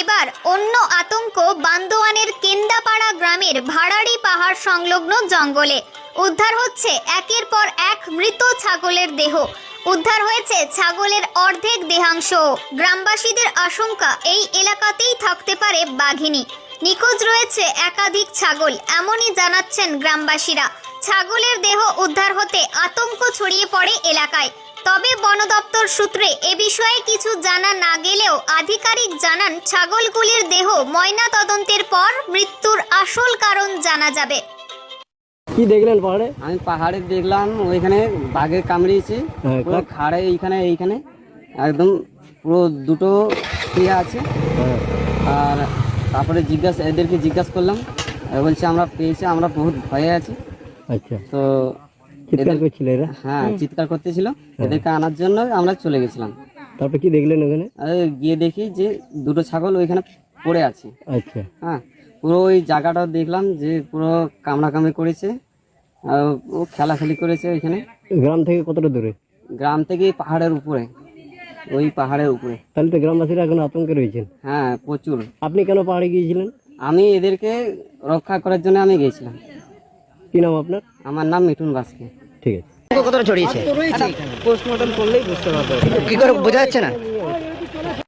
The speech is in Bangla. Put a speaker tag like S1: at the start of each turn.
S1: এবার অন্য আতঙ্ক বান্দোয়ানের কেন্দাপাড়া গ্রামের ভাড়াড়ি পাহাড় সংলগ্ন জঙ্গলে। উদ্ধার হচ্ছে একের পর এক মৃত ছাগলের দেহ। উদ্ধার হয়েছে ছাগলের অর্ধেক দেহাংশ। গ্রামবাসীদের আশঙ্কা এই এলাকাতেই থাকতে পারে বাঘিনী। নিখোঁজ রয়েছে একাধিক ছাগল, এমনই জানাচ্ছেন গ্রামবাসীরা। ছাগলের দেহ উদ্ধার হতে আতঙ্ক ছড়িয়ে পড়ে এলাকায়। তবে বন দপ্তর সূত্রে এ বিষয়ে কিছু জানা না গেলেও আধিকারিক জানান ছাগলগুলির দেহ ময়না তদন্তের পর মৃত্যুর আসল কারণ জানা যাবে।
S2: কি দেখলেন পাহাড়ে?
S3: আমি পাহাড়ে দেখলাম ওইখানে বাঘে কামড়িয়েছে, পুরো খাড়ে এইখানে একদম পুরো দুটো শুয়ে আছে। আর তারপরে এদেরকে জিজ্ঞাসা করলাম, বলছে আমরা পেয়েছি, আমরা বহুত ভয়ে আছি।
S2: আচ্ছা,
S3: তো
S2: চিৎকার করছিল এরা?
S3: হ্যাঁ, চিৎকার করতেছিল। এদেরকে আনার জন্য আমরা চলে গেছিলাম।
S2: তারপরে কি দেখলেন ওখানে?
S3: গিয়ে দেখি যে দুটো ছাগল ওইখানে পড়ে আছে।
S2: আচ্ছা,
S3: হ্যাঁ, পুরো ওই জায়গাটা দেখলাম যে পুরো কামড়াকামড়ি করেছে, ও খেলাখেলি করেছে ওইখানে।
S2: গ্রাম থেকে কতটা দূরে?
S3: গ্রাম থেকে পাহাড়ের উপরে, ওই পাহাড়ের উপরে।
S2: তাহলে তো গ্রামবাসীরা এখন আতঙ্কে রয়েছেন।
S3: হ্যাঁ, প্রচুর।
S2: আপনি কেন পাহাড়ে গিয়েছিলেন?
S3: আমি এদেরকে রক্ষা করার জন্য আমি গেছিলাম।
S2: কি নাম আপনার?
S3: আমার নাম মিঠুন বাস্কে।
S2: ঠিক আছে।
S4: কতটা ছড়িয়েছে
S3: পোস্টমর্টম করলেই বুঝতে পারবো।
S4: কি করে বোঝা যাচ্ছে না?